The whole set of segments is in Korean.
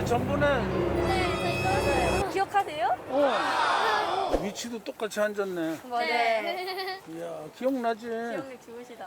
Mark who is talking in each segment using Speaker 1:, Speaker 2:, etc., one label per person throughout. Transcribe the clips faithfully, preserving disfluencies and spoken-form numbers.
Speaker 1: 우리 전번에
Speaker 2: 네, 저희 떨어져요. 기억하세요?
Speaker 1: 어 위치도 똑같이 앉았네.
Speaker 2: 맞아요. 네.
Speaker 1: 이야 기억나지?
Speaker 2: 기억력 좋으시다.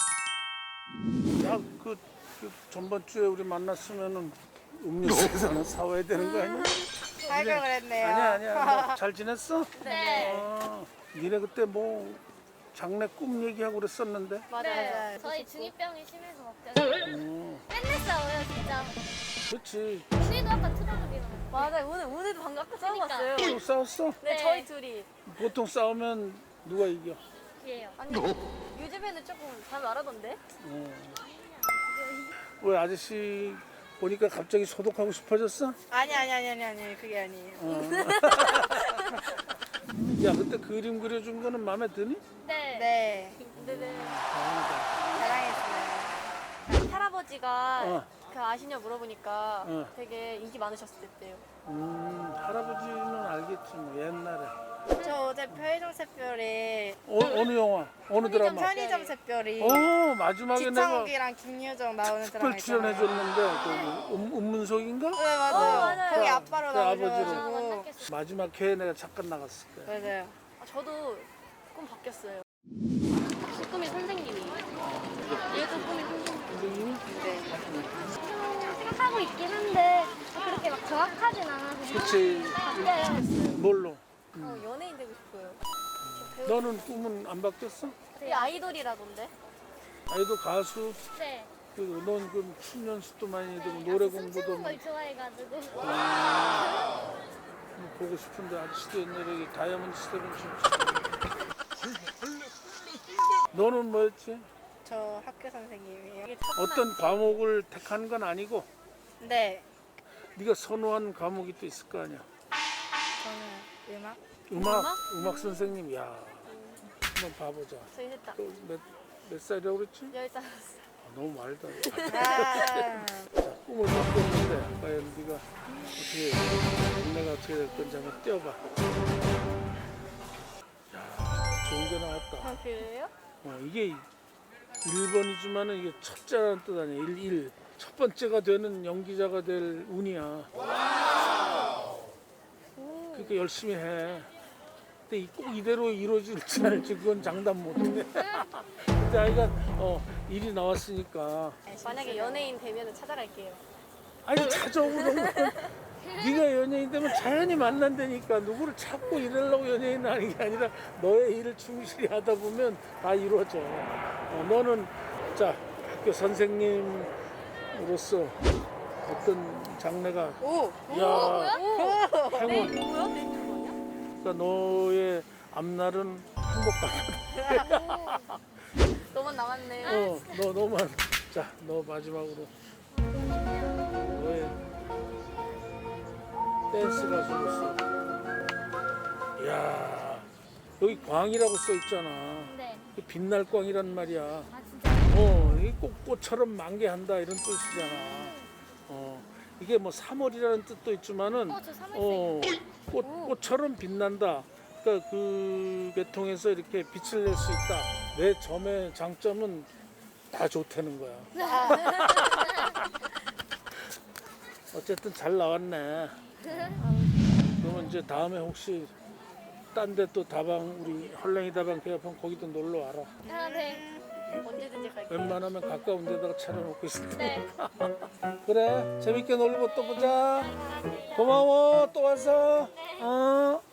Speaker 1: 야그 그 전번 주에 우리 만났으면은 음료수에서 하나 사와야 되는 거 아니야?
Speaker 3: 살걸 그랬네요.
Speaker 1: 아니야 아니야. 뭐 잘 지냈어?
Speaker 2: 네.
Speaker 1: 아, 니네 그때 뭐 장래 꿈 얘기하고 그랬었는데.
Speaker 2: 맞아요.
Speaker 3: 네.
Speaker 2: 저희 중이병이 심해서 걱정이
Speaker 1: 어,
Speaker 2: 맨날 싸워요, 진짜.
Speaker 1: 그렇지.
Speaker 2: 우리도 아까 투덜거리는 맞아요. 오늘, 오늘도 방금 아까 싸워봤어요.
Speaker 1: 또 싸웠어?
Speaker 2: 네, 저희 둘이.
Speaker 1: 보통 싸우면 누가 이겨?
Speaker 2: 예요. 아니, 요즘에는 조금 잘 말하던데?
Speaker 1: 어. 왜 아저씨 보니까 갑자기 소독하고 싶어졌어?
Speaker 3: 아니 아니 아니 아니 아니 그게 아니에요.
Speaker 1: 어. 야 그때 그림 그려준 거는 마음에 드니?
Speaker 2: 네.
Speaker 3: 네.
Speaker 2: 네네.
Speaker 1: 다행이다.
Speaker 3: 사랑했어요.
Speaker 2: 할아버지가
Speaker 1: 어.
Speaker 2: 그 아시냐 물어보니까
Speaker 1: 어.
Speaker 2: 되게 인기 많으셨을 때요.
Speaker 1: 음 할아버지는 알겠지 뭐 옛날에.
Speaker 3: 저 어제 편의점 샛별에
Speaker 1: 어, 어느 영화? 어느 드라마?
Speaker 3: 편의점 샛별이
Speaker 1: 어 마지막에 내가
Speaker 3: 지창욱이랑 김유정 나오는 드라마
Speaker 1: 특별
Speaker 3: 있잖아요.
Speaker 1: 출연해줬는데 그 음, 음문석인가?
Speaker 3: 네 맞아요.
Speaker 2: 어, 맞아요.
Speaker 3: 거기 아빠로
Speaker 1: 그 아버지로.
Speaker 3: 나오셔가지고
Speaker 2: 만났겠어요.
Speaker 1: 마지막 회에 내가 잠깐 나갔을 거야.
Speaker 3: 맞아요.
Speaker 2: 아, 저도 꿈 바뀌었어요. 꿈이 선생님이에요. 얘도 꿈이 선생님.
Speaker 1: 선생님이?
Speaker 3: 네.
Speaker 2: 생각하고 있긴 한데 그렇게 막 정확하진 않아서
Speaker 1: 그치.
Speaker 2: 바뀌어요.
Speaker 1: 뭘로?
Speaker 2: 어, 연예인 되고 싶어요.
Speaker 1: 너는 꿈은 안 바뀌었어?
Speaker 2: 되게 아이돌이라던데?
Speaker 1: 아이도 가수?
Speaker 2: 네.
Speaker 1: 그, 넌 그럼 춤 연습도 많이 되고 노래 공부도
Speaker 2: 춤추는
Speaker 1: 뭐,
Speaker 2: 걸 좋아해가지고.
Speaker 1: 뭐 보고 싶은데 아저씨도 옛날에 이 다이아몬드 스텝은 춤추고. 너는 뭐였지?
Speaker 3: 저 학교 선생님이에요.
Speaker 1: 어떤 과목을 택한 건 아니고
Speaker 3: 네.
Speaker 1: 네가 선호한 과목이 또 있을 거 아니야?
Speaker 3: 저는 음악.
Speaker 1: 음악?
Speaker 2: 음악?
Speaker 1: 음악 선생님, 야 한번 봐보자.
Speaker 2: 저희 셋다.
Speaker 1: 또 몇, 몇 살이라고 그랬지?
Speaker 2: 열살.
Speaker 1: 아, 너무 말다.
Speaker 3: 아.
Speaker 1: 자, 꿈을 바꿨는데 과연 네가 어떻게 내가 어떻게 될 건지 한번 뛰어봐. 야, 좋은 게 나왔다.
Speaker 2: 아, 그래요?
Speaker 1: 어, 이게 일 번이지만은 이게 첫째라는 뜻 아니야. 일, 일. 첫 번째가 되는 연기자가 될 운이야. 그러니까 열심히 해. 근데 이- 꼭 이대로 이루어질지 알지 그건 장담 못해. 근데 아이가 어, 일이 나왔으니까.
Speaker 2: 만약에 연예인 되면 찾아갈게요.
Speaker 1: 아니 찾아오는 건 네가 연예인 되면 자연히 만난다니까. 누구를 찾고 이러려고 연예인 하는 게 아니라 너의 일을 충실히 하다 보면 다 이루어져. 어, 너는 자 학교 선생님으로서 어떤 장래가
Speaker 3: 오.
Speaker 1: 야
Speaker 2: 네,
Speaker 1: 행운.
Speaker 2: 뭐야? 네, 뭐냐?
Speaker 1: 그러니까 너의 앞날은 행복하다.
Speaker 2: 너만 남았네요.
Speaker 1: 어, 너 너만 자, 너 마지막으로 너의 댄스 가수로서. 야 여기 광이라고 써 있잖아.
Speaker 2: 네.
Speaker 1: 그 빛날 광이란 말이야.
Speaker 2: 아, 진짜?
Speaker 1: 어, 이게 꼭 꽃처럼 만개한다 이런 뜻이잖아. 어, 이게 뭐 삼월이라는 뜻도 있지만은
Speaker 2: 어, 저 삼월생.
Speaker 1: 어, 꽃 꽃처럼 빛난다. 그러니까 그 계통에서 이렇게 빛을 낼 수 있다. 내 점의 장점은 다 좋다는 거야. 어쨌든 잘 나왔네. 그러면 이제 다음에 혹시 딴 데 또 다방 우리 헐랭이 다방 개업하면 거기도 놀러 와라.
Speaker 2: 아, 네. 언제든지 갈게요.
Speaker 1: 웬만하면 가까운 데다가 차려놓고 있을
Speaker 2: 네.
Speaker 1: 테니까. 그래 재밌게 놀고 또 보자. 고마워 또 와서. 어.